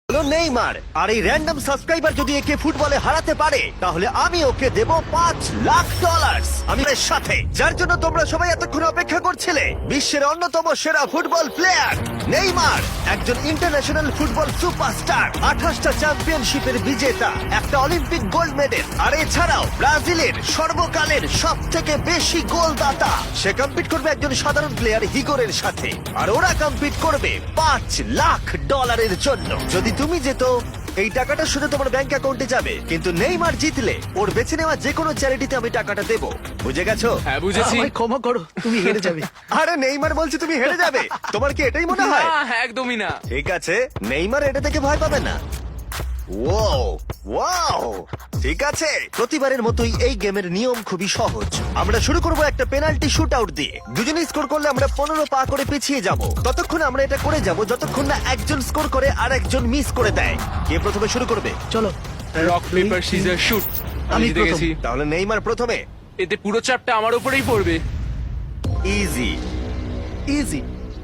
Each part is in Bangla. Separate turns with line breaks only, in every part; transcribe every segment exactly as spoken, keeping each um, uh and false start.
হলো নেইমার। আর এই র্যান্ডম সাবস্ক্রাইবার যদি একে ফুটবলে হারাতে পারে তাহলে আমি ওকে দেব পাঁচ লাখ ডলার আমি এর সাথে, যার জন্য তোমরা সবাই এতক্ষণ অপেক্ষা করছিলে। বিশ্বের অন্যতম সেরা ফুটবল প্লেয়ার নেইমার, একজন ইন্টারন্যাশনাল ফুটবল সুপারস্টার, আঠাশটা চ্যাম্পিয়নশিপের বিজেতা, একটা অলিম্পিক গোল্ড মেডেল, আর এছাড়াও ব্রাজিলের সর্বকালের সব থেকে বেশি গোলদাতা। সে কম্পিট করবে একজন সাধারণ প্লেয়ার হিগোরের সাথে, আর ওরা কম্পিট করবে পাঁচ লাখ ডলারের জন্য। যদি তুমি যেত এই টাকাটা শুধু তোমার ব্যাংক অ্যাকাউন্টে যাবে, কিন্তু নেইমার জিতলে ওর বেছে নেওয়া যে কোনো চ্যারিটিতে আমি টাকাটা দেবো। বুঝে গেছো?
হ্যাঁ বুঝেছি।
আমায় ক্ষমা করো, তুমি হেরে যাবে।
আরে নেইমার বলছে তুমি হেরে যাবে, তোমার কি এটাই মনে হয়?
না, একদমই না।
ঠিক আছে, নেইমার এটা থেকে ভয় পাবে না। ওয়াও ওয়াও ঠিক আছে, প্রতিবারের মতোই এই গেমের নিয়ম খুবই সহজ। আমরা শুরু করব একটা পেনাল্টি শুট আউট দিয়ে। দুজনে স্কোর করলে আমরা পনেরো পা করে পিছিয়ে যাব। ততক্ষণ আমরা এটা করে যাব যতক্ষণ না একজন স্কোর করে আর একজন মিস করে দেয়। কে প্রথমে শুরু করবে?
চলো।
Rock paper scissor shoot. আমি
আমি
জিতে
প্রথম।
গেছি।
তাহলে নেইমার প্রথমে।
এতে পুরো চাপটা আমার উপরেই পড়বে।
ইজি।
ইজি।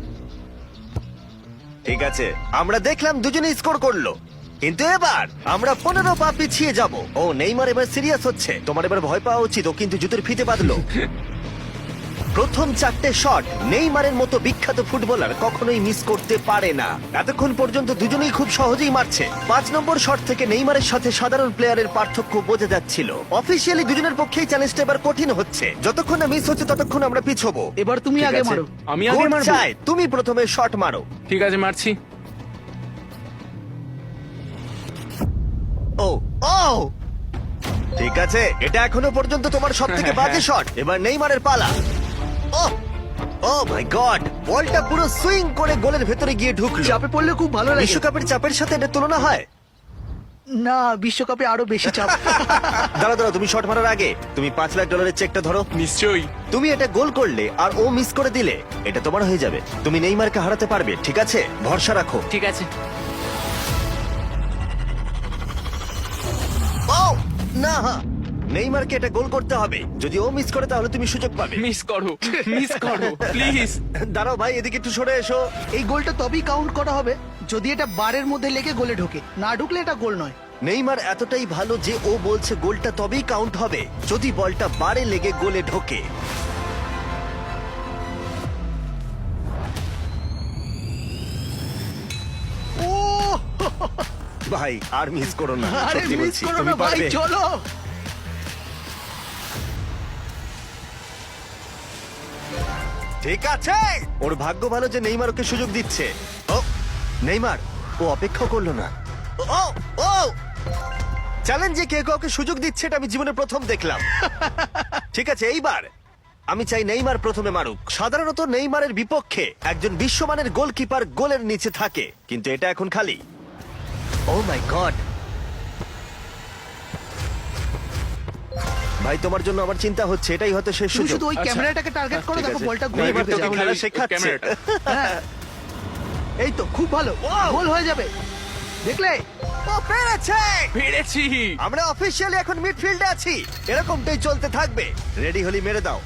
ঠিক আছে, আমরা দেখলাম দুজনে স্কোর করলো, কিন্তু এবার আমরা পনেরো পা পিছিয়ে যাব। ও নেইমার এবার সিরিয়াস হচ্ছে। তোমার এবার ভয় পাওয়া উচিত, ও কিন্তু জুতোর ফিতে বাঁধলো। প্রথম চারটে শট নেইমারের মতো বিখ্যাত ফুটবলার কখনোই মিস করতে পারে না। এতক্ষণ পর্যন্ত দুজনেই খুব সহজেই মারছে। পাঁচ নম্বর শট থেকে নেইমারের সাথে সাধারণ প্লেয়ারের পার্থক্য বোঝা যাচ্ছিল। অফিসিয়ালি দুজনের পক্ষেই চ্যালেঞ্জটা এবার কঠিন হচ্ছে। যতক্ষণ না মিস হচ্ছে ততক্ষণ আমরা পিছবো।
এবার তুমি
ঠিক
আগে
আছে?
মারো।
আমি আগে
গোল
মারবো?
চাই, তুমি প্রথমে শট মারো।
ঠিক আছে, মারছি।
ও ও ঠিক আছে, এটা এখনো পর্যন্ত তোমার সব থেকে বাজে শট। এবার নেইমারের পালা। ও ও মাই গড, বলটা পুরো সুইং করে গোলের ভেতরে গিয়ে ঢুকলো।
চাপে পড়লে খুব ভালো লাগে।
বিশ্বকাপের চাপের সাথে এটা তুলনা হয়?
না, বিশ্বকাপে আরো বেশি চাপ।
দাঁড়া দাঁড়া, তুমি শট মারার আগে তুমি পাঁচ লাখ ডলারের চেকটা ধরো।
নিশ্চয়ই।
তুমি এটা গোল করলে আর ও মিস করে দিলে এটা তোমার হয়ে যাবে। তুমি নেইমারকে হারাতে পারবে, ঠিক আছে? ভরসা রাখো।
ঠিক আছে।
ও না, নেইমারকে এটা গোল করতে হবে। যদি ও মিস করে তাহলে তুমি সুযোগ পাবে।
মিস করো, মিস করো প্লিজ।
দাঁড়াও ভাই, এদিকে একটু সরে এসো।
এই গোলটা তবেই কাউন্ট করা হবে যদি এটা বারের মধ্যে লেগে গোলে ঢোকে। না ঢুকলে এটা গোল নয়।
নেইমার এতটাই ভালো যে ও বলছে গোলটা তবেই কাউন্ট হবে যদি বলটা বারে লেগে গোলে ঢোকে। ও ভাই, আর মিস করো না,
আরে
সত্যি
মিস
বলছি,
করো
তুমি
না ভাই,
পারবে।
চলো।
ঠিক আছে, ওর ভাগ্য ভালো যে নেইমার ওকে সুযোগ দিচ্ছে। ও নেইমার, ও অপেক্ষা করলো না। ও ও চ্যালেঞ্জে কে কাউকে সুযোগ দিচ্ছে এটা আমি জীবনে প্রথম দেখলাম। ঠিক আছে, এইবার আমি চাই নেইমার প্রথমে মারুক। সাধারণত নেইমারের বিপক্ষে একজন বিশ্বমানের গোলকিপার গোলের নিচে থাকে, কিন্তু এটা এখন খালি। ও মাই গড ভাই, তোমার জন্য আমার চিন্তা হচ্ছে। এটাই হয়তো শেষ
তুমি
সুযোগ।
শুধু ওই
আচ্ছা,
ক্যামেরাটাকে টার্গেট করো,
ঠিক
দেখো
আছে।
বলটা গোলে
নেইমার
ঢুকে
তোকে
যাবে।
খেলা শেখাচ্ছে।
ক্যামেরাটা।
হ্যাঁ। এই তো খুব ভালো,
Wow!
গোল হয়ে যাবে। দেখলে?
ও পেরেছে!
পেরেছি।
আমরা অফিসিয়ালি এখন মিডফিল্ডে আছি। এরকমটাই চলতে থাকবে। রেডি হলি মেরে দাও।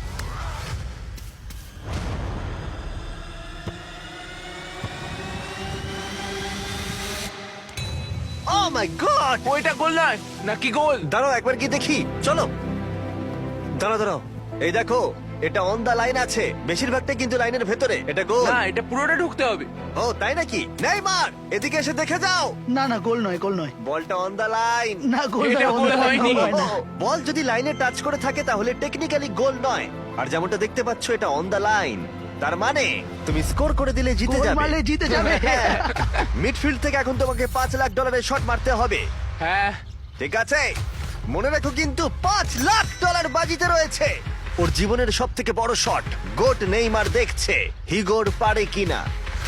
Oh my god!
ওইটা গোল নয় নাকি গোল?
দাঁড়াও একবার কি দেখি, চলো। দাঁড়াও দাঁড়াও, এই দেখো, এটা অন দা লাইন আছে। বেশিরভাগটাই কিন্তু লাইনের ভেতরে। এটা গোল।
না, এটা পুরোটা ঢুকতে হবে।
ও তাই নাকি? নেইমার, এদিকে এসে দেখে যাও।
না না, গোল নয়, গোল নয়।
বলটা অন দা লাইন।
না, গোল
এটা
নয়,
গোল
গোল
হয়নি।
হয় না।
বল যদি লাইনে টাচ করে থাকে তাহলে টেকনিক্যালি গোল নয়। আর যেমনটা দেখতে পাচ্ছ এটা অন দা লাইন, তার মানে তুমি স্কোর করে দিলে জিতে
গোল
যাবে।
মারলে জিতে যাবে।
হ্যাঁ। মিডফিল্ড থেকে এখন তোমাকে পাঁচ লাখ ডলারের শট মারতে হবে।
হ্যাঁ।
ঠিক আছে, মনে রাখো কিন্তু পাঁচ লাখ ডলার বাজিতে রয়েছে। ওর জীবনের সব থেকে বড় শট। গোট নেইমার দেখছে হিগোর পারে কিনা।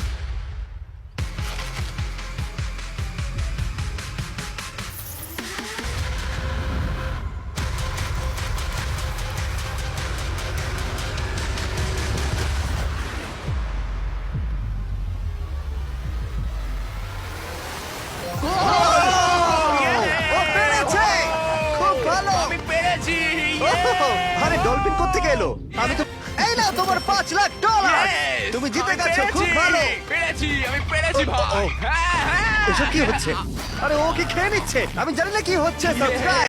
ও পেরেছে! খুব ভালো!
আমি পেরেছি।
ওহ, আরে ডলফিন কোত্থেকে এলো? আমি তো এই না তোমার পাঁচ লাখ ডলার।
Yes!
তুমি জিতে
আমি
গেছো, খুব
পেরেছি!
ভালো।
পেরেছি আমি পেরেছি
ও, ও,
ভাই
ও।
হ্যাঁ হ্যাঁ
এসব কি হচ্ছে? আরে ও কি খেয়ে নিচ্ছে? আমি জানি না কি হচ্ছে। সাবস্ক্রাইব